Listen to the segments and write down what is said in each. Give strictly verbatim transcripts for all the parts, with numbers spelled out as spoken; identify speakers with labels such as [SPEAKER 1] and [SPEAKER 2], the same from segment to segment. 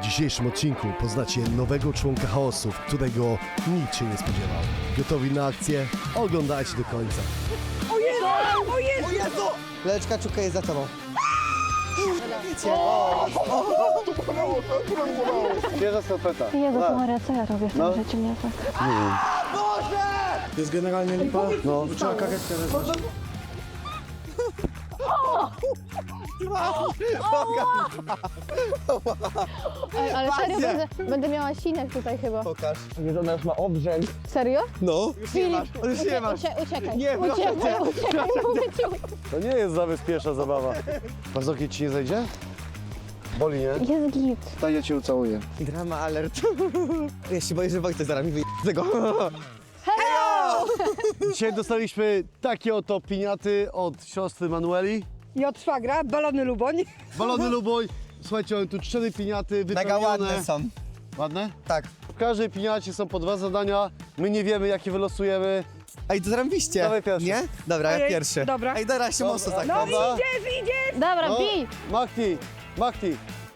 [SPEAKER 1] dzisiejszym odcinku poznacie nowego członka chaosu, którego nikt się nie spodziewał. Gotowi na akcję? Oglądajcie do końca.
[SPEAKER 2] O Jezu! O Jezu!
[SPEAKER 3] O Jezu! Leleczka Czuka jest za tobą. Wiecie.
[SPEAKER 1] Bierze skarpeta.
[SPEAKER 4] Jezus Maria, co ja robię w tym
[SPEAKER 1] No.
[SPEAKER 4] życiu, nie tak?
[SPEAKER 3] Boże!
[SPEAKER 1] To jest generalnie lipa? No. Trzeba kakać teraz.
[SPEAKER 4] Ej, ale serio, będę, będę miała sinek tutaj chyba.
[SPEAKER 3] Pokaż. Nie, ona już ma obrzęk.
[SPEAKER 4] Serio?
[SPEAKER 3] No. Już nie masz, już nie
[SPEAKER 4] Ucie,
[SPEAKER 3] masz.
[SPEAKER 4] ucie, uciekaj,
[SPEAKER 3] Nie, proszę
[SPEAKER 4] uciekaj,
[SPEAKER 3] cię,
[SPEAKER 4] uciekaj, mówię ci.
[SPEAKER 1] To nie jest zabezpieczna zabawa. Pazokieć ci nie zejdzie? Boli, nie?
[SPEAKER 4] Jest git.
[SPEAKER 1] Daj, ja cię ucałuję.
[SPEAKER 3] Drama alert. Ja się boję, że Wojtek zaraz mi wyje z tego.
[SPEAKER 1] Dzisiaj dostaliśmy takie oto piniaty od siostry Manueli.
[SPEAKER 2] I od szwagra, balony Luboń.
[SPEAKER 1] Balony Luboj. Słuchajcie, mamy tu cztery piniaty
[SPEAKER 3] Mega
[SPEAKER 1] wypełnione.
[SPEAKER 3] ładne są.
[SPEAKER 1] Ładne?
[SPEAKER 3] Tak.
[SPEAKER 1] W każdej piniacie są po dwa zadania. My nie wiemy, jakie wylosujemy.
[SPEAKER 3] Ej, to zrobiliście.
[SPEAKER 1] Dawaj pierwszy.
[SPEAKER 3] Nie? Dobra, ja
[SPEAKER 2] Ojej,
[SPEAKER 3] pierwszy.
[SPEAKER 2] dobra.
[SPEAKER 3] Ej, teraz się
[SPEAKER 1] Dobra.
[SPEAKER 3] mocno tak.
[SPEAKER 2] No
[SPEAKER 1] Dobra.
[SPEAKER 2] idziesz, idziesz!
[SPEAKER 4] Dobra,
[SPEAKER 1] No,
[SPEAKER 4] bij.
[SPEAKER 1] Machti, Machti,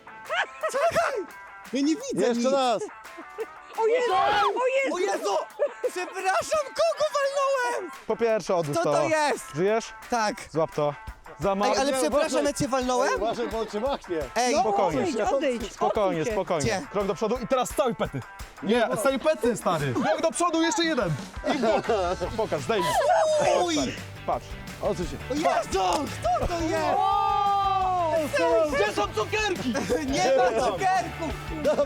[SPEAKER 3] Ja nie widzę
[SPEAKER 1] jeszcze
[SPEAKER 3] nic.
[SPEAKER 1] raz.
[SPEAKER 2] O Jezu! O
[SPEAKER 3] O
[SPEAKER 2] Jezu!
[SPEAKER 3] Jezu! Przepraszam, kogo walnąłem?
[SPEAKER 5] Po pierwsze odłóż
[SPEAKER 3] Co
[SPEAKER 5] to.
[SPEAKER 3] to jest?
[SPEAKER 5] Żyjesz?
[SPEAKER 3] Tak.
[SPEAKER 5] Złap to. Za ma...
[SPEAKER 3] Ej, ale
[SPEAKER 1] nie,
[SPEAKER 3] przepraszam,
[SPEAKER 1] uważaj.
[SPEAKER 3] ja cię walnąłem?
[SPEAKER 1] Uważaj, bo on cię machnie.
[SPEAKER 3] Ej,
[SPEAKER 2] No,
[SPEAKER 5] Spokojnie.
[SPEAKER 2] odejdź, odejdź,
[SPEAKER 5] Spokojnie,
[SPEAKER 2] odsuń się.
[SPEAKER 5] spokojnie.
[SPEAKER 3] Gdzie?
[SPEAKER 5] Krok do przodu i teraz z całej pety. Nie, z całej pety, stary. Krok do przodu, jeszcze jeden. I w bok. Pokaż, zdejmij.
[SPEAKER 3] Uj!
[SPEAKER 5] Patrz.
[SPEAKER 1] O co się?
[SPEAKER 3] O Jezu! Kto to jest?
[SPEAKER 5] Gdzie są cukierki?
[SPEAKER 3] Nie ma cukierków!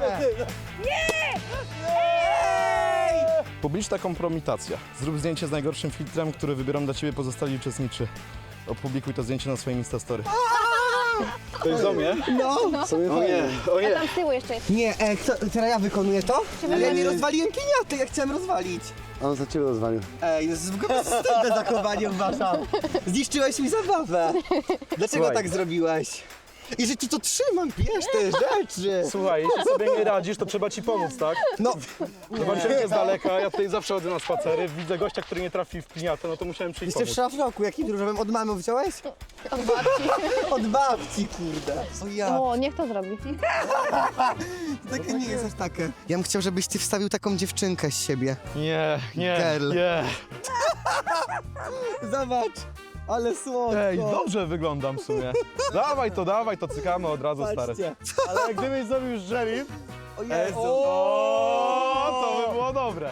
[SPEAKER 5] Publiczna kompromitacja. Zrób zdjęcie z najgorszym filtrem, który wybiorą dla ciebie pozostali uczestniczy. Opublikuj to zdjęcie na swoim Instastory. To jest do mnie?
[SPEAKER 3] No.
[SPEAKER 1] Sobie o nie, o
[SPEAKER 4] A
[SPEAKER 1] nie.
[SPEAKER 4] tam z tyłu jeszcze jest.
[SPEAKER 3] Nie, e, kto, teraz ja wykonuję to? Ale ja nie
[SPEAKER 1] nie.
[SPEAKER 3] rozwaliłem piniaty, ja chciałem rozwalić.
[SPEAKER 1] On za ciebie rozwalił.
[SPEAKER 3] Ej, jest w ogóle wstydne zachowanie, uważam. Zniszczyłeś mi zabawę. Dlaczego
[SPEAKER 5] Słuchaj.
[SPEAKER 3] tak zrobiłeś? I że ci to trzymam, bierz te rzeczy.
[SPEAKER 5] Słuchaj, jeśli sobie nie radzisz, to trzeba ci pomóc, tak?
[SPEAKER 3] No,
[SPEAKER 5] Zobaczyłem cię z daleka, ja tutaj zawsze chodzę na spacery, widzę gościa, który nie trafi w piniatę, no to musiałem przyjść
[SPEAKER 3] jeszcze w
[SPEAKER 5] pomóc.
[SPEAKER 3] szlafroku, jakim różowym od mamy wziąłeś?
[SPEAKER 4] Od babci.
[SPEAKER 3] Od babci, kurde. O ja,
[SPEAKER 4] O, niech to zrobi.
[SPEAKER 3] takie nie jest aż takie. Ja bym chciał, żebyś ty wstawił taką dziewczynkę z siebie.
[SPEAKER 5] Nie, nie,
[SPEAKER 3] Girl.
[SPEAKER 5] nie.
[SPEAKER 3] Zobacz, ale słodko.
[SPEAKER 5] Ej, dobrze wyglądam w sumie. Dawaj to, dawaj to, cykamy od razu, stary.
[SPEAKER 3] Patrzcie.
[SPEAKER 1] Ale jak gdybyś zrobił już żelim,
[SPEAKER 3] O
[SPEAKER 5] Jezu.
[SPEAKER 3] Jezu.
[SPEAKER 5] O, to by było dobre.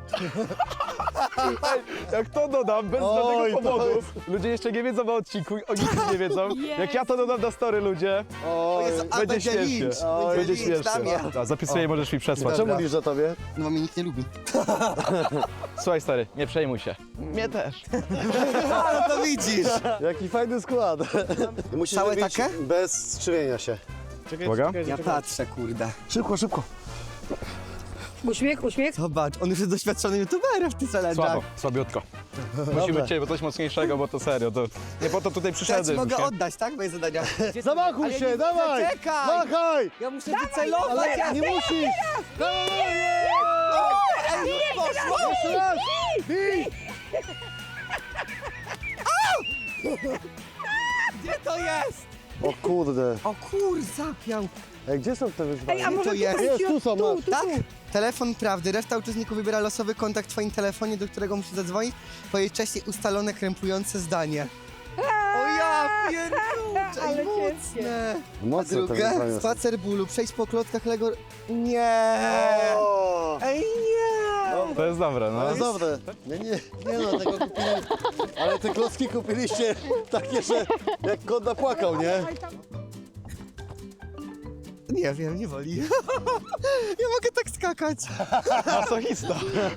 [SPEAKER 5] Ej, jak to dodam, bez
[SPEAKER 1] Oj,
[SPEAKER 5] żadnego
[SPEAKER 1] to
[SPEAKER 5] powodu,
[SPEAKER 1] jest-
[SPEAKER 5] ludzie jeszcze nie wiedzą o odcinku, o nic nie wiedzą. Jak ja to dodam na story, ludzie,
[SPEAKER 1] o,
[SPEAKER 3] O Jezu, a
[SPEAKER 5] będzie
[SPEAKER 3] będzie
[SPEAKER 5] śmiesznie.
[SPEAKER 3] lincz.
[SPEAKER 1] Oj,
[SPEAKER 5] Będzie
[SPEAKER 3] lincz, dam
[SPEAKER 5] śmiesznie.
[SPEAKER 3] ja.
[SPEAKER 5] Da, zapisuję, możesz mi przesłać.
[SPEAKER 3] Dobra.
[SPEAKER 1] czemu mówisz o tobie?
[SPEAKER 3] No, mnie nikt nie lubi.
[SPEAKER 5] Słuchaj, stary, nie przejmuj się. Mnie też.
[SPEAKER 3] Ale to widzisz.
[SPEAKER 1] Jaki fajny skład. Musisz
[SPEAKER 3] Całe
[SPEAKER 1] zrobić
[SPEAKER 3] takie?
[SPEAKER 1] bez skrzywienia się. Czekaj,
[SPEAKER 5] Uwaga.
[SPEAKER 1] czekaj,
[SPEAKER 3] Ja
[SPEAKER 1] czekaj.
[SPEAKER 3] patrzę, kurde.
[SPEAKER 1] Szybko, szybko.
[SPEAKER 2] Uśmiech, uśmiech.
[SPEAKER 3] Zobacz, on już jest doświadczony youtuberem w tych challenge'ach.
[SPEAKER 5] Słabo, słabiutko. Musimy cię, bo coś mocniejszego, bo to serio, to nie po to tutaj
[SPEAKER 3] Ja ci
[SPEAKER 5] przyszedłem.
[SPEAKER 3] mogę
[SPEAKER 5] nie?
[SPEAKER 3] oddać, tak? Moje zadania.
[SPEAKER 1] Zamachuj
[SPEAKER 3] Ale
[SPEAKER 1] się,
[SPEAKER 3] nie widzę,
[SPEAKER 1] dawaj!
[SPEAKER 3] czekaj!
[SPEAKER 1] Machaj!
[SPEAKER 3] Ja muszę wycelować.
[SPEAKER 1] Ale nie musisz! Dawaj!
[SPEAKER 3] Ej, już poszło!
[SPEAKER 1] Jeszcze raz! Bij!
[SPEAKER 3] Gdzie to jest?
[SPEAKER 1] O kurde.
[SPEAKER 3] O kur, zapiał.
[SPEAKER 1] Ej, gdzie są te wyzwania?
[SPEAKER 2] Ej, a może
[SPEAKER 3] to jest?
[SPEAKER 2] tutaj
[SPEAKER 1] Jest,
[SPEAKER 2] ci-
[SPEAKER 1] tu są,
[SPEAKER 2] tu,
[SPEAKER 1] masz.
[SPEAKER 2] tu,
[SPEAKER 3] Tak?
[SPEAKER 2] tu.
[SPEAKER 3] Telefon prawdy. Reszta uczestników wybiera losowy kontakt w twoim telefonie, do którego musisz zadzwonić. Powiedzieć wcześniej ustalone, krępujące zdanie. O ja pierniczę,
[SPEAKER 2] Ale
[SPEAKER 3] mocne. A
[SPEAKER 1] Mocne te
[SPEAKER 3] drugie,
[SPEAKER 1] wyzwania są.
[SPEAKER 3] spacer bólu, przejść po klockach Lego... Nie!
[SPEAKER 1] O!
[SPEAKER 3] Ej, nie!
[SPEAKER 5] To jest dobre, no.
[SPEAKER 1] To jest dobre. Nie, nie, nie no, tego kupili. Ale te klocki kupiliście takie, że jak kot napłakał, nie?
[SPEAKER 3] Nie wiem, nie woli. Nie mogę tak skakać.
[SPEAKER 5] Masochista.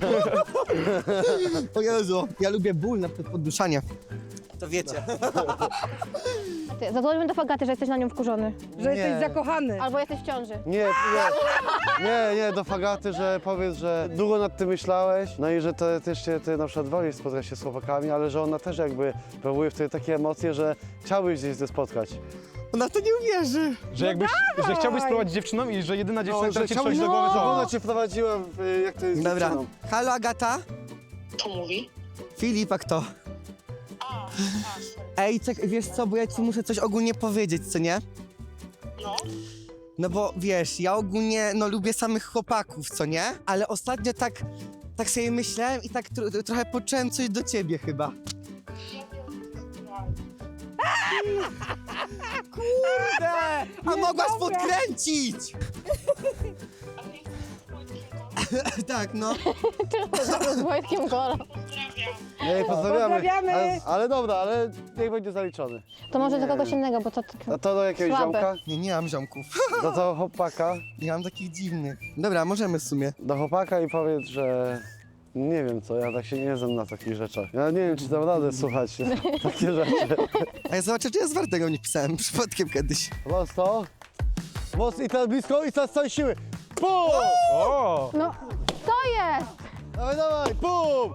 [SPEAKER 3] O Jezu, ja lubię ból na podduszanie. To wiecie.
[SPEAKER 4] Ty, zadzwońmy do Fagaty, że jesteś na nią wkurzony.
[SPEAKER 2] Że
[SPEAKER 1] Nie.
[SPEAKER 2] jesteś zakochany.
[SPEAKER 4] Albo jesteś w ciąży.
[SPEAKER 1] Nie, nie, nie, nie, do Fagaty, że powiedz, że długo nad tym myślałeś, no i że to też się, ty na przykład wolisz spotkać się z chłopakami, ale że ona też jakby próbuje w tobie takie emocje, że chciałbyś gdzieś ze spotkać.
[SPEAKER 3] Ona to nie uwierzy.
[SPEAKER 5] Że jakbyś, że chciałbyś spróbować dziewczyną i że jedyna dziewczyna, która ci przychodzi do głowy,
[SPEAKER 1] żeby
[SPEAKER 5] to
[SPEAKER 1] ona cię wprowadziła, w, jak to jest z
[SPEAKER 3] Dobra.
[SPEAKER 1] dziewczyną.
[SPEAKER 3] Halo, Agata?
[SPEAKER 6] Kto mówi?
[SPEAKER 3] Filip, a kto?
[SPEAKER 6] A, a, sorry.
[SPEAKER 3] Ej, czek, wiesz co, bo ja ci muszę coś ogólnie powiedzieć, co nie?
[SPEAKER 6] No,
[SPEAKER 3] No bo wiesz, ja ogólnie no lubię samych chłopaków, co nie? Ale ostatnio tak, tak sobie myślałem i tak tro, trochę poczułem coś do ciebie chyba. Kurde! A mogłaś
[SPEAKER 2] dobra.
[SPEAKER 3] podkręcić! Tak, no.
[SPEAKER 4] Z Wojtkiem Gola.
[SPEAKER 1] Nie, pozdrawiamy.
[SPEAKER 2] Pozdrawiamy.
[SPEAKER 1] Ale, ale dobra, ale niech będzie zaliczony.
[SPEAKER 4] To może do kogoś innego, bo to tak...
[SPEAKER 1] A to do jakiegoś
[SPEAKER 4] Słabe.
[SPEAKER 1] ziomka?
[SPEAKER 3] Nie, nie mam ziomków.
[SPEAKER 1] Do tego chłopaka?
[SPEAKER 3] Nie mam takich dziwnych. Dobra, możemy w sumie.
[SPEAKER 1] Do chłopaka i powiedz, że... Nie wiem co, ja tak się nie znam na takich rzeczach. Ja nie wiem, czy dam radę słuchać takie rzeczy.
[SPEAKER 3] A ja zobaczę, czy ja z Wartego nie pisałem przypadkiem kiedyś.
[SPEAKER 1] Prosto. Mocno i teraz blisko i teraz z całej siły. Pum!
[SPEAKER 5] O!
[SPEAKER 4] No, co jest?
[SPEAKER 1] Dawaj, dawaj, pum!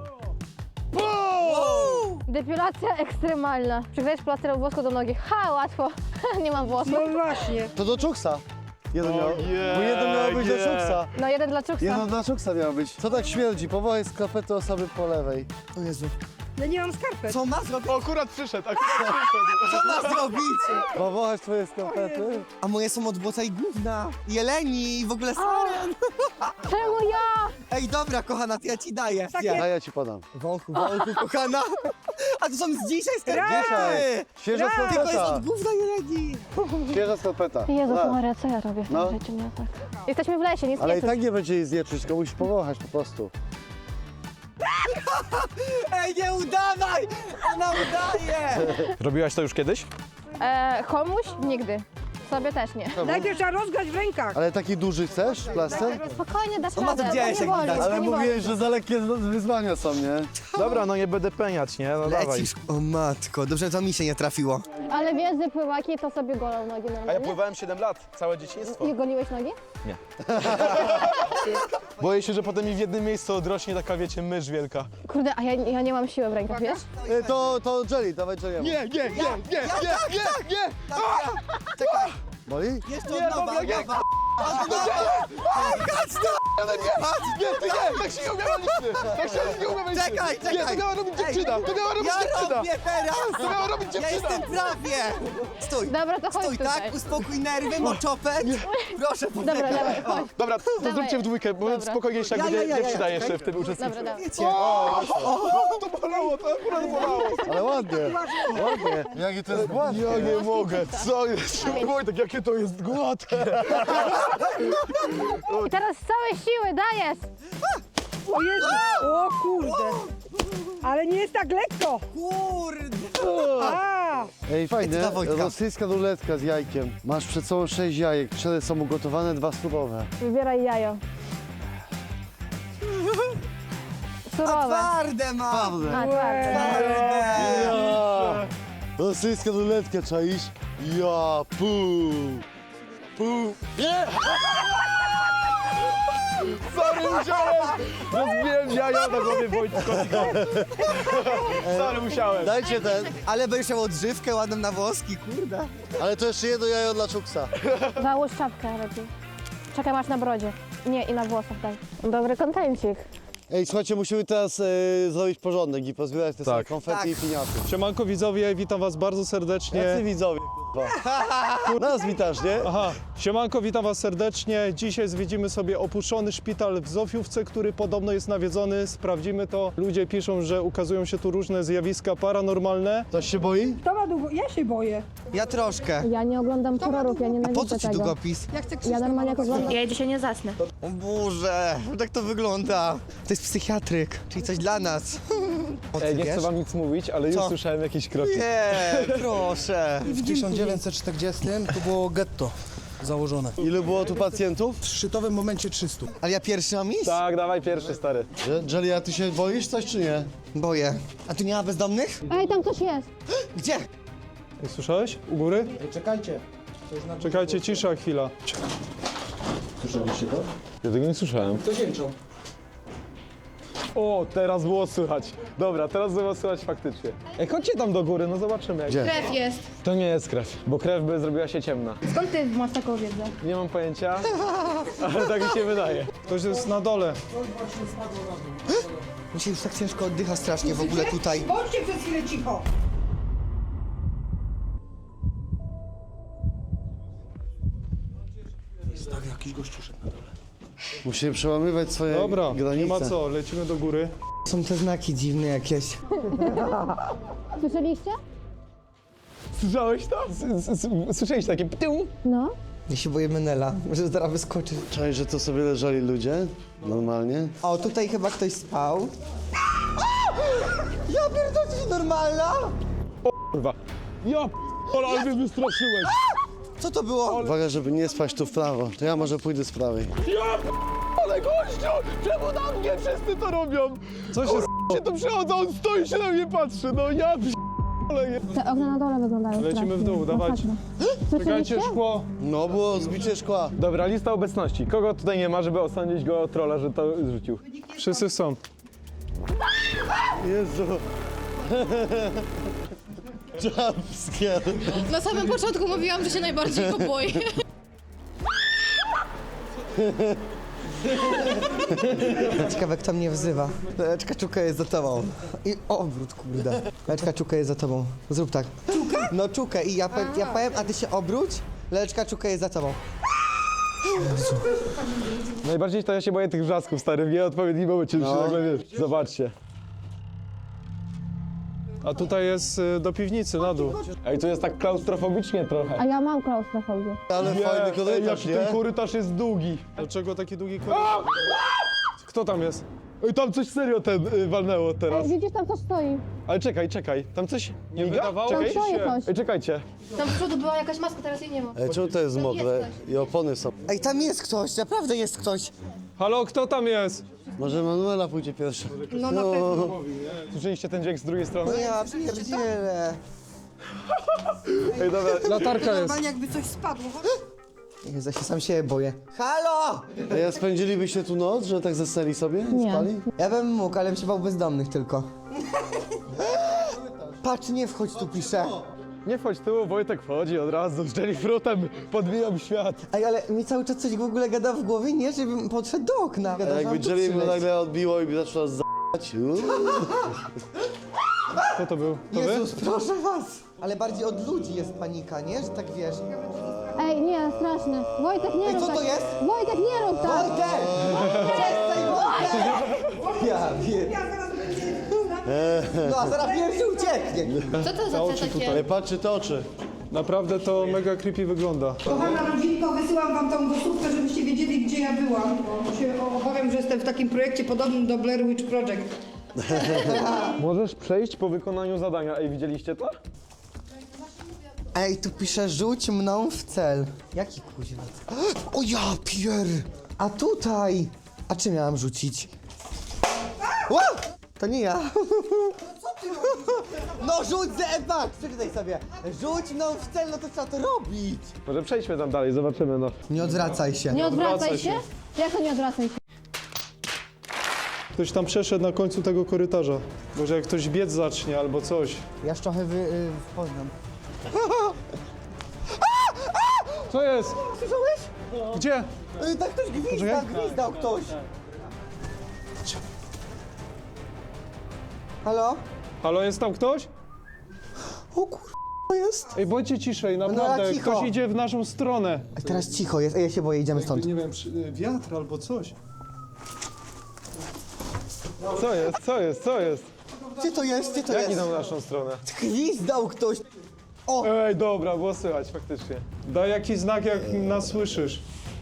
[SPEAKER 1] Pum!
[SPEAKER 4] Depilacja ekstremalna. Przyklejesz plasterem włosku do nogi. Ha, łatwo. Nie mam włosów.
[SPEAKER 2] No właśnie.
[SPEAKER 1] To do czuksa. Jeden miał,
[SPEAKER 5] Ojej,
[SPEAKER 1] bo jeden miał być do
[SPEAKER 5] nie.
[SPEAKER 1] czuksa.
[SPEAKER 4] No jeden dla Czuksa.
[SPEAKER 1] Jedno dla czuksa miał być. Co tak śmierdzi? Powołaj skarpety osoby po lewej.
[SPEAKER 3] O Jezu.
[SPEAKER 2] Ja nie mam skarpet.
[SPEAKER 3] Co ma zrobić?
[SPEAKER 5] O, akurat przyszedł, akurat przyszedł.
[SPEAKER 3] Co ma zrobić?
[SPEAKER 1] Powołać twoje skarpety?
[SPEAKER 3] A moje są od błota i gówna. Jeleni i w ogóle saren.
[SPEAKER 4] Czemu ja?
[SPEAKER 3] Ej, dobra, kochana, to ja ci daję.
[SPEAKER 2] Takie-
[SPEAKER 1] A ja ci podam.
[SPEAKER 3] Wąchu, wąchu, kochana. A to są z dzisiaj skarpety.
[SPEAKER 1] Dzisiaj. Świeża
[SPEAKER 3] Tylko jest
[SPEAKER 1] skarpeta.
[SPEAKER 3] od gówna jeleni.
[SPEAKER 1] Świeża skarpeta.
[SPEAKER 4] Jezus
[SPEAKER 1] Tak.
[SPEAKER 4] Maria, co ja robię w tym
[SPEAKER 1] No.
[SPEAKER 4] życiu? Nie tak. Jesteśmy w lesie, nic
[SPEAKER 1] Ale
[SPEAKER 4] nie
[SPEAKER 1] i
[SPEAKER 4] czuć.
[SPEAKER 1] tak nie będzie jej zjeczyć, tylko musisz powąchać po prostu.
[SPEAKER 3] Ej, nie udawaj! Ona udaje!
[SPEAKER 5] Robiłaś to już kiedyś?
[SPEAKER 4] E, komuś? Nigdy. Sobie też nie.
[SPEAKER 2] Najpierw trzeba rozgrać w rękach.
[SPEAKER 1] Ale taki duży chcesz, plaster?
[SPEAKER 4] Spokojnie, dasz
[SPEAKER 3] To ma to
[SPEAKER 4] radę.
[SPEAKER 3] widziałeś,
[SPEAKER 4] to nie
[SPEAKER 3] jak
[SPEAKER 4] boli,
[SPEAKER 3] widać.
[SPEAKER 4] to
[SPEAKER 1] Ale
[SPEAKER 4] nie boli.
[SPEAKER 1] mówiłeś, że za lekkie wyzwania są, nie?
[SPEAKER 5] Dobra, no nie będę peniać, nie? No dawaj.
[SPEAKER 3] Lecisz. O matko, dobrze, to mi się nie trafiło.
[SPEAKER 4] Ale wiedzy pływaki to sobie golą nogi
[SPEAKER 5] A ja
[SPEAKER 4] normalnie.
[SPEAKER 5] pływałem siedem lat, całe dzieciństwo.
[SPEAKER 4] I goliłeś nogi?
[SPEAKER 5] Boję się, że potem mi w jednym miejscu odrośnie taka, wiecie, mysz wielka.
[SPEAKER 4] Kurde, a ja, ja nie mam siły w rękach, wiesz?
[SPEAKER 1] Y, To, to Jelly, dawaj Jelly.
[SPEAKER 5] Nie, nie, nie, nie, nie, nie, nie!
[SPEAKER 3] Czekaj,
[SPEAKER 1] Boli?
[SPEAKER 3] jeszcze
[SPEAKER 5] Nie,
[SPEAKER 3] od nowa,
[SPEAKER 5] dobra, nie.
[SPEAKER 3] od nowa.
[SPEAKER 5] Ale nie, nie, ty nie, tak się nie umiała liczny, tak się nie umiała liczny.
[SPEAKER 3] Czekaj, czekaj.
[SPEAKER 5] Nie, to miała robić dziewczyna, to miała robić
[SPEAKER 3] Ja
[SPEAKER 5] dziewczyna.
[SPEAKER 3] robię teraz!
[SPEAKER 5] To miała robić
[SPEAKER 3] Ja
[SPEAKER 5] dziewczyna.
[SPEAKER 3] jestem prawie! Stój!
[SPEAKER 4] Dobra, to chodź
[SPEAKER 3] Stój,
[SPEAKER 4] tutaj.
[SPEAKER 3] tak? Uspokój nerwy, moczopet. Proszę,
[SPEAKER 4] Dobra,
[SPEAKER 3] poczekaj.
[SPEAKER 4] dawaj, chodź.
[SPEAKER 5] Dobra, to
[SPEAKER 4] Dawaj.
[SPEAKER 5] zróbcie w dwójkę, bo
[SPEAKER 4] Dobra.
[SPEAKER 5] spokojniejsze, jak
[SPEAKER 3] Ja, ja,
[SPEAKER 5] będzie
[SPEAKER 3] ja, ja,
[SPEAKER 5] dziewczyna
[SPEAKER 3] ja,
[SPEAKER 5] jeszcze
[SPEAKER 3] czekaj.
[SPEAKER 5] w tym uczestniczy.
[SPEAKER 4] Dobra, dobra.
[SPEAKER 3] Wiecie,
[SPEAKER 5] To bolało, to akurat bolało.
[SPEAKER 1] Ale ładnie, ładnie. Jakie to jest gładkie.
[SPEAKER 5] Ja nie mogę, co jest? Wojtek, jakie to jest gładkie.
[SPEAKER 4] I teraz z całej siły dajesz!
[SPEAKER 2] O Jezu. O kurde. Ale nie jest tak lekko.
[SPEAKER 3] kurde!
[SPEAKER 2] A,
[SPEAKER 1] Ej, fajnie,
[SPEAKER 3] Ej, to dla Wojtka.
[SPEAKER 1] rosyjska ruletka z jajkiem. Masz przed sobą sześć jajek, cztery są ugotowane, dwa surowe.
[SPEAKER 4] Wybieraj jajo.
[SPEAKER 3] A
[SPEAKER 4] Surowe.
[SPEAKER 3] twarde mam!
[SPEAKER 1] Prawda.
[SPEAKER 4] A, twarde.
[SPEAKER 3] Twarde!
[SPEAKER 1] Ja. Rosyjska ruletka, czaisz? Ja, pu. Pu. Nie!
[SPEAKER 5] Sorry, musiałem! Rozbiłem jaja na głowie Wojtkowi. Sorry, musiałem.
[SPEAKER 1] Dajcie ten,
[SPEAKER 3] Ale będziesz miał odżywkę ładną na włoski, kurde.
[SPEAKER 1] ale to jeszcze jedno jajo dla czuksa.
[SPEAKER 4] Załóż czapkę lepiej. Czekaj, masz na brodzie. Nie, i na włosach daj. Dobry kontencik.
[SPEAKER 1] Ej, słuchajcie, musimy teraz e, zrobić porządek i pozbierać te
[SPEAKER 5] Tak.
[SPEAKER 1] tak. konfetti
[SPEAKER 3] Tak.
[SPEAKER 1] i piniaty.
[SPEAKER 7] Siemanko widzowie, witam was bardzo serdecznie.
[SPEAKER 1] Jacy widzowie, kurwa. Nas witasz, nie?
[SPEAKER 7] Aha, siemanko, witam was serdecznie. Dzisiaj zwiedzimy sobie opuszczony szpital w Zofiówce, który podobno jest nawiedzony. Sprawdzimy to. Ludzie piszą, że ukazują się tu różne zjawiska paranormalne.
[SPEAKER 1] Ktoś się boi?
[SPEAKER 2] to ma długo. Ja się boję.
[SPEAKER 3] Ja troszkę.
[SPEAKER 4] Ja nie oglądam horrorów, ja
[SPEAKER 3] A po
[SPEAKER 4] nienawidzę
[SPEAKER 3] co ci
[SPEAKER 4] tego.
[SPEAKER 3] długopis?
[SPEAKER 2] Ja chcę
[SPEAKER 4] Ja normalnie jak oglądam...
[SPEAKER 8] Ja dzisiaj nie zasnę.
[SPEAKER 3] O Boże, jak to wygląda? To jest psychiatryk, czyli coś dla nas. O, ty
[SPEAKER 5] Ej, nie
[SPEAKER 3] wiesz?
[SPEAKER 5] chcę wam nic mówić, ale już
[SPEAKER 3] Co?
[SPEAKER 5] słyszałem jakieś kroki.
[SPEAKER 3] Nie, proszę.
[SPEAKER 9] W tysiąc dziewięćset czterdziestym to było getto założone.
[SPEAKER 1] Ilu było tu pacjentów?
[SPEAKER 9] W szczytowym momencie trzystu.
[SPEAKER 3] Ale ja pierwszy mam iść?
[SPEAKER 5] Tak, dawaj pierwszy, stary.
[SPEAKER 1] Jelly, a ty się boisz coś czy nie?
[SPEAKER 3] Boję. A tu nie ma bezdomnych?
[SPEAKER 4] Ej, tam ktoś jest.
[SPEAKER 3] Gdzie?
[SPEAKER 7] Ej, słyszałeś? U góry?
[SPEAKER 9] Czekajcie. Coś na
[SPEAKER 7] Czekajcie, cisza chwila.
[SPEAKER 5] Ja tego nie słyszałem.
[SPEAKER 9] To jęczą.
[SPEAKER 5] O, teraz było słychać. Dobra, teraz było słychać faktycznie. Ej, chodźcie tam do góry, no zobaczymy. Jak...
[SPEAKER 1] Gdzie?
[SPEAKER 8] Krew jest.
[SPEAKER 5] To nie jest krew, bo krew by zrobiła się ciemna.
[SPEAKER 8] Skąd ty masz taką wiedzę?
[SPEAKER 5] Nie mam pojęcia, ale tak mi się wydaje.
[SPEAKER 7] Ktoś jest na dole.
[SPEAKER 3] Mi się już tak ciężko oddycha strasznie w ogóle tutaj.
[SPEAKER 2] Bądźcie przez chwilę cicho.
[SPEAKER 9] jakiś gościu szedł na dole.
[SPEAKER 1] Musimy przełamywać swoje
[SPEAKER 7] Dobra,
[SPEAKER 1] granice.
[SPEAKER 7] nie ma co, lecimy do góry.
[SPEAKER 3] Są te znaki dziwne jakieś.
[SPEAKER 4] Słyszeliście?
[SPEAKER 7] Słyszałeś to? Słyszałeś takie ptył?
[SPEAKER 4] No.
[SPEAKER 3] Ja się boję Menela, że zaraz wyskoczy.
[SPEAKER 1] Czaj, że to sobie leżeli ludzie, normalnie.
[SPEAKER 3] O, tutaj chyba ktoś spał. Ja pierdolę, to jest normalna!
[SPEAKER 7] Kurwa. Ja p***ole, ale mnie wystraszyłeś.
[SPEAKER 3] Co to było?
[SPEAKER 1] Uwaga, żeby nie spaść tu w prawo, to ja może pójdę z prawej.
[SPEAKER 7] Ja p***ole, gościu! Czemu na mnie wszyscy to robią? Co się s***? się tu przychodzą, on stoi się na mnie patrzy, no ja p***ole.
[SPEAKER 4] Te okna na dole wyglądają
[SPEAKER 7] Lecimy w dół, dawajcie.
[SPEAKER 4] Masakra.
[SPEAKER 7] Czekajcie, szkło.
[SPEAKER 1] No, było zbicie szkła.
[SPEAKER 7] Dobra, lista obecności. Kogo tutaj nie ma, żeby osądzić go trolla, że to zrzucił? Wszyscy są.
[SPEAKER 1] Jezu. Jumpscare.
[SPEAKER 8] Na samym początku mówiłam, że się najbardziej go boję.
[SPEAKER 3] Ciekawe, kto mnie wzywa. Leczka Czuka jest za tobą. I obrót, kurde. Leczka Czuka jest za tobą. Zrób tak. Czuka? No Czukę i ja, powiem, ja powiem, a ty się obróć. Leczka Czuka jest za tobą.
[SPEAKER 7] Najbardziej to ja się boję tych wrzasków, stary, w nieodpowiednim momencie, no. się nagle wiesz. Zobaczcie. A tutaj jest y, do piwnicy, na dół. Ej, tu jest tak klaustrofobicznie trochę.
[SPEAKER 4] A ja mam klaustrofobię.
[SPEAKER 1] Ale fajny
[SPEAKER 7] Ej,
[SPEAKER 1] korytarz,
[SPEAKER 7] jaki ten
[SPEAKER 1] nie?
[SPEAKER 7] korytarz jest długi. Dlaczego taki długi korytarz? Kto tam jest? Ej, tam coś serio ten y, walnęło teraz.
[SPEAKER 4] Ej, widzisz, tam coś stoi.
[SPEAKER 7] Ale czekaj, czekaj, tam coś nie wydawało
[SPEAKER 4] Tam stoi coś.
[SPEAKER 7] Ej, czekajcie.
[SPEAKER 8] Tam z przodu była jakaś maska, teraz jej nie ma.
[SPEAKER 1] Ej, czemu to jest mokre? I opony są.
[SPEAKER 3] Ej, tam jest ktoś, naprawdę jest ktoś.
[SPEAKER 7] Halo, kto tam jest?
[SPEAKER 1] Może Manuela pójdzie pierwsza.
[SPEAKER 8] No na pewno.
[SPEAKER 7] Słyszeliście ten dźwięk z drugiej strony?
[SPEAKER 3] No ja pierdzielę.
[SPEAKER 7] Ej, dobra, latarka jest.
[SPEAKER 2] jakby coś spadło.
[SPEAKER 3] Jezu, ja się sam siebie boję. Halo!
[SPEAKER 1] Ej, a spędzilibyście tu noc, że tak zasnęli sobie?
[SPEAKER 4] Nie.
[SPEAKER 1] Spali?
[SPEAKER 3] Ja bym mógł, ale bym się bał bezdomnych tylko. Patrz, nie wchodź tu, pisze.
[SPEAKER 7] Nie wchodź tu, Wojtek wchodzi od razu, z jellyfruitem podbijam świat.
[SPEAKER 3] Ej, ale mi cały czas coś w ogóle gada w głowie, nie? Żebym podszedł do okna.
[SPEAKER 1] A
[SPEAKER 3] Gada, że
[SPEAKER 1] jakby
[SPEAKER 3] mam tu
[SPEAKER 1] Jelly mu
[SPEAKER 3] przyleć.
[SPEAKER 1] nagle odbiło i zaczęła z***ać.
[SPEAKER 7] Kto to był? To wy?
[SPEAKER 3] Jezus, proszę was! Ale bardziej od ludzi jest panika, nie? Że tak wiesz.
[SPEAKER 4] Ej, nie, straszne. Wojtek, nie
[SPEAKER 3] Ej,
[SPEAKER 4] rób
[SPEAKER 3] co
[SPEAKER 4] tak.
[SPEAKER 3] to jest?
[SPEAKER 4] Wojtek, nie rób tak.
[SPEAKER 3] Wojtek! Przestań, Wojtek! Ja wiem. No, a zaraz pierwszy ucieknie.
[SPEAKER 8] Co to za te takie?
[SPEAKER 1] Ej, patrzcie te oczy.
[SPEAKER 7] Naprawdę to mega creepy wygląda.
[SPEAKER 2] Kochana rodzinko, wysyłam wam tą głosówkę, żebyście wiedzieli, gdzie ja byłam. Bo się obawiam, że jestem w takim projekcie podobnym do Blair Witch Project.
[SPEAKER 7] Możesz przejść po wykonaniu zadania. Ej, widzieliście to?
[SPEAKER 3] Ej, tu pisze rzuć mną w cel. Jaki kuźwa? O ja pier! A tutaj! A czym miałam rzucić? Ła! To nie ja. No rzuć zebak! Przeczytaj sobie. Rzuć mną w cel, no to trzeba to robić.
[SPEAKER 7] Może przejdźmy tam dalej, zobaczymy no.
[SPEAKER 3] Nie odwracaj się.
[SPEAKER 4] Nie odwracaj
[SPEAKER 7] odwracaj
[SPEAKER 4] się? Jak to nie odwracaj się?
[SPEAKER 7] Ktoś tam przeszedł na końcu tego korytarza. Może jak ktoś biec zacznie albo coś.
[SPEAKER 3] Ja trochę wy, y, poznam.
[SPEAKER 7] Co jest?
[SPEAKER 3] Słyszałeś?
[SPEAKER 7] Gdzie?
[SPEAKER 3] Y, tak ktoś gwizdał,
[SPEAKER 7] Poczekaj.
[SPEAKER 3] gwizdał ktoś. Halo?
[SPEAKER 7] Halo, jest tam ktoś?
[SPEAKER 3] O kur... jest?
[SPEAKER 7] Ej, bądźcie ciszej,
[SPEAKER 3] No,
[SPEAKER 7] naprawdę.
[SPEAKER 3] cicho.
[SPEAKER 7] Ktoś idzie w naszą stronę.
[SPEAKER 3] A teraz cicho jest, Ej, ja się boję, idziemy stąd.
[SPEAKER 7] Nie wiem, wiatr albo coś. Co jest, co jest, co jest?
[SPEAKER 3] Gdzie to jest? Gdzie to
[SPEAKER 7] Jak
[SPEAKER 3] jest?
[SPEAKER 7] idą w naszą stronę?
[SPEAKER 3] Gwizdał ktoś. O!
[SPEAKER 7] Ej, dobra, było słychać faktycznie. Daj jakiś znak, jak nas słyszysz.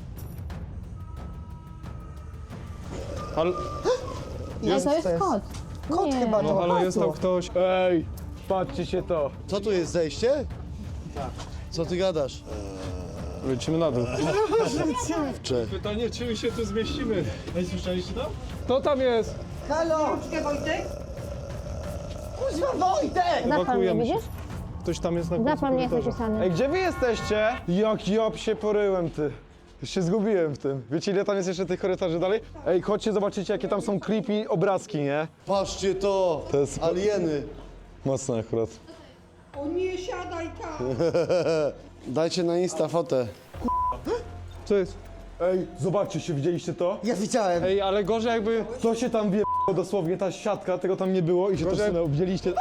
[SPEAKER 7] Halo,
[SPEAKER 4] Nie, to jest kot.
[SPEAKER 3] Kot
[SPEAKER 4] Nie.
[SPEAKER 3] chyba,
[SPEAKER 7] no,
[SPEAKER 3] to
[SPEAKER 7] halo, jest tam
[SPEAKER 3] kotu.
[SPEAKER 7] ktoś. Ej, patrzcie się to.
[SPEAKER 1] Co tu jest, zejście? Tak. Co ty gadasz?
[SPEAKER 7] Lecimy na dół.
[SPEAKER 1] Cze.
[SPEAKER 7] Pytanie, czy my się tu zmieścimy? Ej, słyszeliście to? Kto tam jest?
[SPEAKER 3] Halo!
[SPEAKER 2] Wojtek?
[SPEAKER 3] Kuźwa, Wojtek!
[SPEAKER 4] Zapal mnie,
[SPEAKER 7] Ewakuujemy się.
[SPEAKER 4] widzisz?
[SPEAKER 7] Ktoś tam jest na końcu
[SPEAKER 4] Zapal mnie jest
[SPEAKER 7] korytarza.
[SPEAKER 4] napisany.
[SPEAKER 7] Ej, gdzie wy jesteście? Jak ja się poryłem, ty. Już się zgubiłem w tym. Wiecie, ile tam jest jeszcze tych korytarzy dalej? Ej, chodźcie, zobaczycie, jakie tam są creepy obrazki, nie?
[SPEAKER 1] Patrzcie to!
[SPEAKER 7] To jest-
[SPEAKER 1] Alieny.
[SPEAKER 7] Mocne akurat.
[SPEAKER 2] O nie, siadaj tam!
[SPEAKER 1] Dajcie na Insta fotę.
[SPEAKER 7] Co jest? Ej, zobaczcie się, widzieliście to?
[SPEAKER 3] Ja widziałem.
[SPEAKER 7] Ej, ale gorzej jakby... To się tam wie dosłownie, ta siatka, tego tam nie było i się to wsunęło. Widzieliście?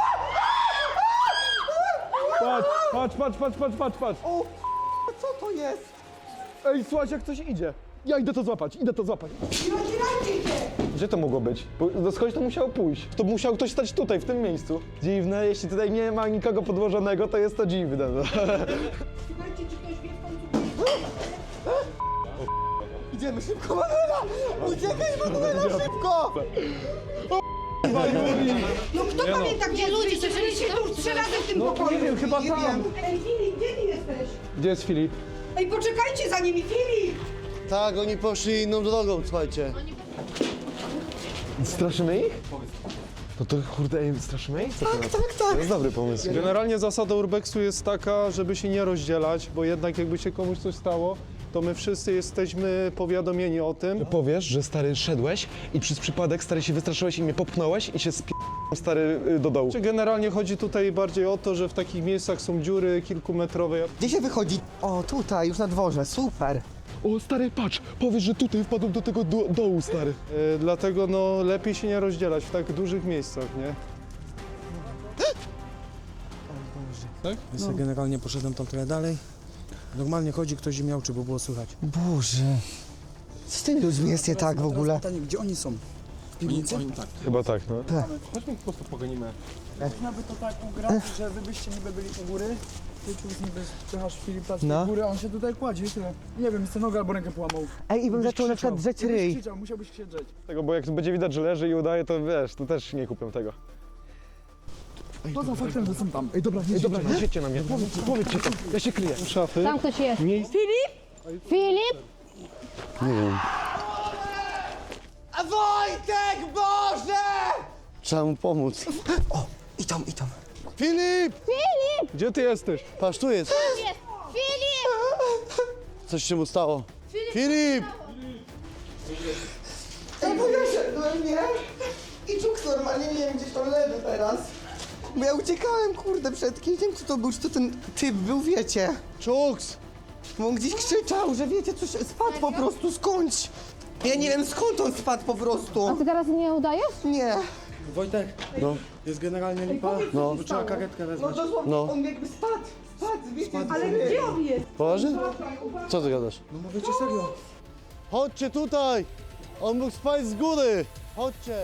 [SPEAKER 7] Patrz, patrz, patrz, patrz, patrz, patrz, patrz.
[SPEAKER 3] O, co to jest?
[SPEAKER 7] Ej, słuchajcie, jak ktoś idzie. Ja idę to złapać, idę to złapać.
[SPEAKER 2] Nie otwierajcie się!
[SPEAKER 7] Gdzie to mogło być? Bo no skądś to musiało pójść. To musiał ktoś stać tutaj, w tym miejscu. Dziwne, jeśli tutaj nie ma nikogo podłożonego, to jest to dziwne. No.
[SPEAKER 2] Słuchajcie, czy ktoś wie w końcu...
[SPEAKER 3] Idziemy szybko, Manuela! Uciekaj, Manuela, szybko!
[SPEAKER 2] No kto pamięta, gdzie ludzie? Byliście tu już trzy razy w tym pokoju.
[SPEAKER 7] Nie wiem, chyba
[SPEAKER 3] Nie
[SPEAKER 7] tam.
[SPEAKER 3] wiem.
[SPEAKER 2] Ej, Filip, gdzie ty jesteś?
[SPEAKER 7] Gdzie jest Filip?
[SPEAKER 2] Ej, poczekajcie za nimi, Filip!
[SPEAKER 1] Tak, oni poszli inną drogą, słuchajcie.
[SPEAKER 7] Straszymy ich? No to kurde, ej, straszymy ich?
[SPEAKER 3] Tak, tak,
[SPEAKER 7] To
[SPEAKER 3] tak.
[SPEAKER 7] jest dobry pomysł. Generalnie zasada urbexu jest taka, żeby się nie rozdzielać, bo jednak jakby się komuś coś stało, to my wszyscy jesteśmy powiadomieni o tym.
[SPEAKER 10] Powiesz, że stary szedłeś i przez przypadek stary się wystraszyłeś i mnie popchnąłeś i się spi... stary y, do dołu.
[SPEAKER 7] Czy Generalnie chodzi tutaj bardziej o to, że w takich miejscach są dziury kilkumetrowe.
[SPEAKER 3] Gdzie się wychodzi? O, tutaj, już na dworze, super.
[SPEAKER 10] O stary, patrz, powiesz, że tutaj wpadłem do tego do, dołu, stary.
[SPEAKER 7] E, dlatego no lepiej się nie rozdzielać w tak dużych miejscach, nie?
[SPEAKER 9] Więc ja generalnie poszedłem tam trochę dalej. Normalnie chodzi ktoś i miał, czy by było słychać.
[SPEAKER 3] Boże. Co z tymi ludźmi jest nie tak w ogóle?
[SPEAKER 9] Pytanie, gdzie oni są? W piwnicy? Oni, tak.
[SPEAKER 7] Chyba tak, no.
[SPEAKER 10] Chodźmy po prostu pogonimy.
[SPEAKER 9] Można by to tak ugrać, że wy byście niby byli u góry, ty tu niby spychasz Filipa z
[SPEAKER 3] No.
[SPEAKER 9] tej góry, a on się tutaj kładzie i tyle. Nie wiem, jest nogę albo rękę połamał.
[SPEAKER 3] Ej, i bym
[SPEAKER 9] Byś
[SPEAKER 3] zaczął na przykład
[SPEAKER 9] krzyczał.
[SPEAKER 3] drzeć
[SPEAKER 9] Gdybyś
[SPEAKER 3] ryj.
[SPEAKER 9] krzyczał, musiałbyś się drzeć.
[SPEAKER 7] Tego, bo jak będzie widać, że leży i udaje, to wiesz, to też nie kupię tego.
[SPEAKER 9] Poza faktem, że są tam. Ej, dobra, nie
[SPEAKER 10] Ej, dobra, nie świećcie na mnie, powiedz, powiedzcie to, ja się kryję.
[SPEAKER 7] Szafy.
[SPEAKER 4] Tam ktoś jest. Filip? Filip?
[SPEAKER 3] A Wojtek, Boże!
[SPEAKER 1] Trzeba mu pomóc.
[SPEAKER 3] O, i tam, i tam.
[SPEAKER 1] Filip!
[SPEAKER 7] Gdzie ty jesteś?
[SPEAKER 1] Patrz, tu jest.
[SPEAKER 4] Jest. Filip!
[SPEAKER 1] Coś się mu stało. Filip!
[SPEAKER 3] Ej, bo ja szedłem, nie? I Czuk normalnie, nie wiem, gdzieś tam leży teraz. Bo ja uciekałem, kurde, przed kimś, nie wiem, kto to był, czy to ten typ był, wiecie.
[SPEAKER 1] Czuks!
[SPEAKER 3] Bo on gdzieś krzyczał, że wiecie, coś spadł po prostu, skądś. Ja nie wiem, skąd on spadł po
[SPEAKER 4] A
[SPEAKER 3] prostu.
[SPEAKER 4] ty teraz nie udajesz?
[SPEAKER 3] Nie.
[SPEAKER 9] Wojtek,
[SPEAKER 1] No,
[SPEAKER 9] jest generalnie lipa,
[SPEAKER 1] no,
[SPEAKER 9] bo trzeba karetkę
[SPEAKER 3] No
[SPEAKER 9] wezwać.
[SPEAKER 3] dosłownie,
[SPEAKER 1] No.
[SPEAKER 3] on jakby spadł, spadł, wiecie.
[SPEAKER 2] Ale gdzie on jest?
[SPEAKER 1] poważnie? Co ty gadasz?
[SPEAKER 9] No mówicie serio.
[SPEAKER 1] Chodźcie tutaj! On mógł spać z góry! Chodźcie!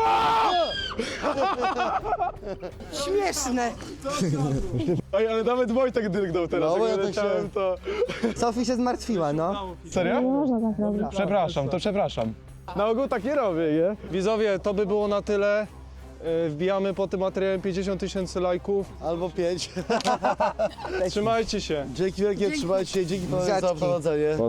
[SPEAKER 3] Śmieszne.
[SPEAKER 7] Ej, ale nawet Wojtek drgnął teraz,
[SPEAKER 1] No, bo
[SPEAKER 7] jak
[SPEAKER 1] ja tak
[SPEAKER 7] leciałem,
[SPEAKER 1] się-
[SPEAKER 7] to...
[SPEAKER 3] Sofii się zmartwiła, no.
[SPEAKER 7] Serio?
[SPEAKER 4] Można tak robić.
[SPEAKER 10] Przepraszam, to przepraszam.
[SPEAKER 7] Na ogół tak nie robię, nie? Widzowie, to by było na tyle. E, Wbijamy po tym materiałem pięćdziesiąt tysięcy lajków.
[SPEAKER 1] Albo pięć.
[SPEAKER 7] Trzymajcie się.
[SPEAKER 1] Dzięki wielkie, trzymajcie się, dzięki panu za
[SPEAKER 3] Buziaczki.
[SPEAKER 1] prowadzenie.